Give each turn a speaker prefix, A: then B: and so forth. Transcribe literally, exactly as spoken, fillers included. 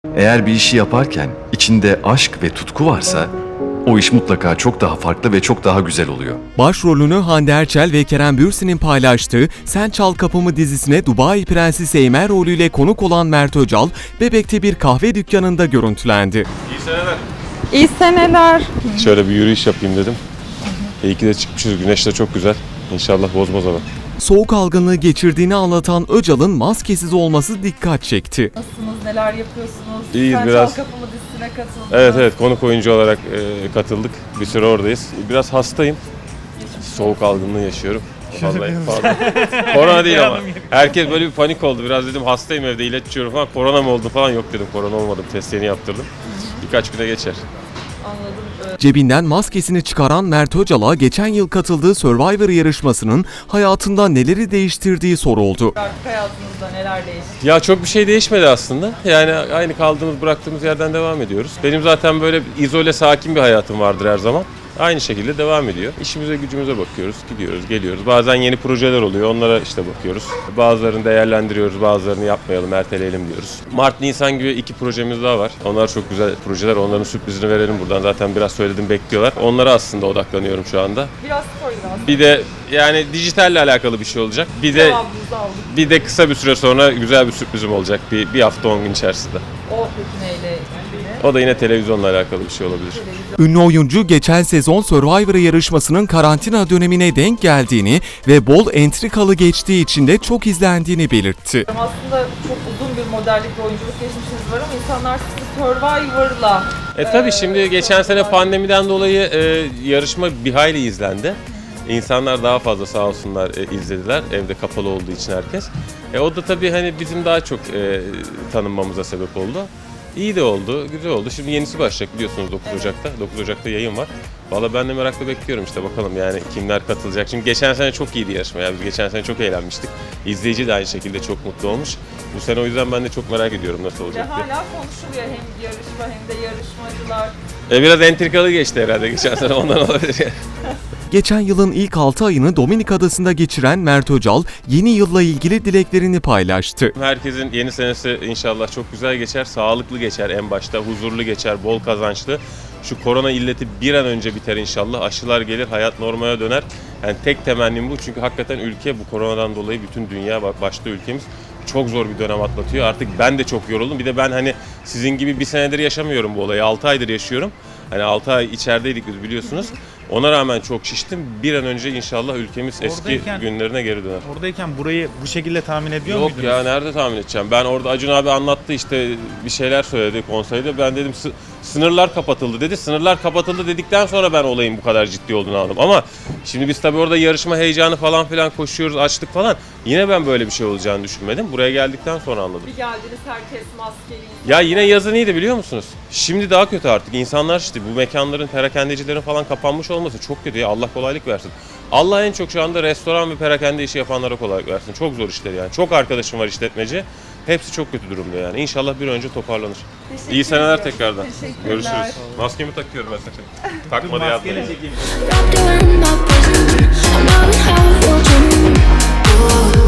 A: Eğer bir işi yaparken içinde aşk ve tutku varsa o iş mutlaka çok daha farklı ve çok daha güzel oluyor.
B: Başrolünü Hande Erçel ve Kerem Bürsin'in paylaştığı Sen Çal Kapımı dizisine Dubai Prensesi Eymer rolüyle konuk olan Mert Öcal, Bebek'te bir kahve dükkanında görüntülendi.
C: İyi seneler.
D: İyi seneler.
C: Şöyle bir yürüyüş yapayım dedim. İyi ki de çıkmışız. Güneş de çok güzel. İnşallah bozmaz ama.
B: Soğuk algınlığı geçirdiğini anlatan Öcal'ın maskesiz olması dikkat çekti.
D: Nasılsınız? Neler yapıyorsunuz?
C: İyiyiz
D: Sen
C: biraz.
D: Çal Kapımı dizisine katıldınız.
C: Evet evet konuk oyuncu olarak e, katıldık. Bir süre oradayız. Biraz hastayım. Soğuk algınlığı yaşıyorum. Vallahi fazla. Korona değil ama. Herkes böyle bir panik oldu. Biraz dedim hastayım evde ilaç içiyorum falan. Korona mı oldu falan. Yok dedim korona olmadım. Testlerini yaptırdım. Birkaç güne geçer.
D: Anladım.
B: Cebinden maskesini çıkaran Mert Öcal'a geçen yıl katıldığı Survivor yarışmasının hayatında neleri değiştirdiği soruldu.
D: Artık hayatınızda neler değişti?
C: Ya çok bir şey değişmedi aslında. Yani aynı kaldığımız, bıraktığımız yerden devam ediyoruz. Benim zaten böyle izole, sakin bir hayatım vardır her zaman. Aynı şekilde devam ediyor. İşimize, gücümüze bakıyoruz, gidiyoruz, geliyoruz. Bazen yeni projeler oluyor, onlara işte bakıyoruz. Bazılarını değerlendiriyoruz, bazılarını yapmayalım, erteleyelim diyoruz. Mart, Nisan gibi iki projemiz daha var. Onlar çok güzel projeler, onların sürprizini verelim buradan. Zaten biraz söyledim, bekliyorlar. Onlara aslında odaklanıyorum şu anda.
D: Biraz spoiler aslında.
C: Bir de yani dijitalle alakalı bir şey olacak. Bir de
D: Cevabınızı aldık.
C: bir de kısa bir süre sonra güzel bir sürprizim olacak. Bir, bir hafta on gün içerisinde.
D: O peki neyle ilgili?
C: O da yine televizyonla alakalı bir şey olabilir.
B: Ünlü oyuncu geçen sezon Survivor yarışmasının karantina dönemine denk geldiğini ve bol entrikalı geçtiği için de çok izlendiğini belirtti.
D: Aslında çok uzun bir modellik ve oyunculuk geçmişiniz var ama insanlar sizi Survivor'la...
C: E tabii şimdi geçen sene pandemiden dolayı e, yarışma bir hayli izlendi. İnsanlar daha fazla sağ olsunlar e, izlediler. Evde kapalı olduğu için herkes. E, o da tabii hani bizim daha çok e, tanınmamıza sebep oldu. İyi de oldu, güzel oldu. Şimdi yenisi başlayacak biliyorsunuz dokuz Ocak'ta. dokuz Ocak'ta yayın var. Valla ben de merakla bekliyorum işte bakalım yani kimler katılacak. Şimdi geçen sene çok iyiydi yarışma ya. Biz geçen sene çok eğlenmiştik. İzleyici de aynı şekilde çok mutlu olmuş. Bu sene o yüzden ben de çok merak ediyorum nasıl
D: Ve
C: olacak diye.
D: hala konuşuluyor hem yarışma hem de yarışmacılar.
C: E, biraz entrikalı geçti herhalde geçen sene ondan olabilir yani.
B: Geçen yılın ilk altı ayını Dominik Adası'nda geçiren Mert Öcal, yeni yılla ilgili dileklerini paylaştı.
C: Herkesin yeni senesi inşallah çok güzel geçer, sağlıklı geçer en başta, huzurlu geçer, bol kazançlı. Şu korona illeti bir an önce biter inşallah, aşılar gelir, hayat normale döner. Yani tek temennim bu çünkü hakikaten ülke bu koronadan dolayı bütün dünya, başta ülkemiz çok zor bir dönem atlatıyor. Artık ben de çok yoruldum. Bir de ben hani sizin gibi bir senedir yaşamıyorum bu olayı, altı aydır yaşıyorum. Hani altı ay içerideydik biz biliyorsunuz. Ona rağmen çok şiştim. Bir an önce inşallah ülkemiz eski
E: Oradayken-
C: günlerine geri döner.
E: Oradayken burayı bu şekilde tahmin ediyor
C: Yok
E: muydunuz?
C: ya nerede tahmin edeceğim? Ben orada Acun abi anlattı işte bir şeyler söyledi konseyde. Ben dedim sı- sınırlar kapatıldı dedi. Sınırlar kapatıldı dedikten sonra ben olayın bu kadar ciddi olduğunu anladım. Ama şimdi biz tabii orada yarışma heyecanı falan filan koşuyoruz, açtık falan. Yine ben böyle bir şey olacağını düşünmedim. Buraya geldikten sonra anladım.
D: Bir geldiniz herkes maskeli.
C: Ya yine yazın iyiydi biliyor musunuz? Şimdi daha kötü artık. İnsanlar işte bu mekanların, perakendecilerin falan kapanmış olması çok kötü ya. Allah kolaylık versin. Allah en çok şu anda restoran ve perakende işi yapanlara kolaylık versin. Çok zor işler yani. Çok arkadaşım var işletmeci. Hepsi çok kötü durumda yani. İnşallah bir an önce toparlanır.
D: Teşekkür
C: İyi seneler
D: ediyorum.
C: tekrardan.
D: Teşekkürler.
C: Görüşürüz. Maskemi takıyorum ben sakın. Takma diye
E: Maskeyle
C: atmayın.
E: çekeyim.
F: Wrapped around my bosom, I'm out half watching.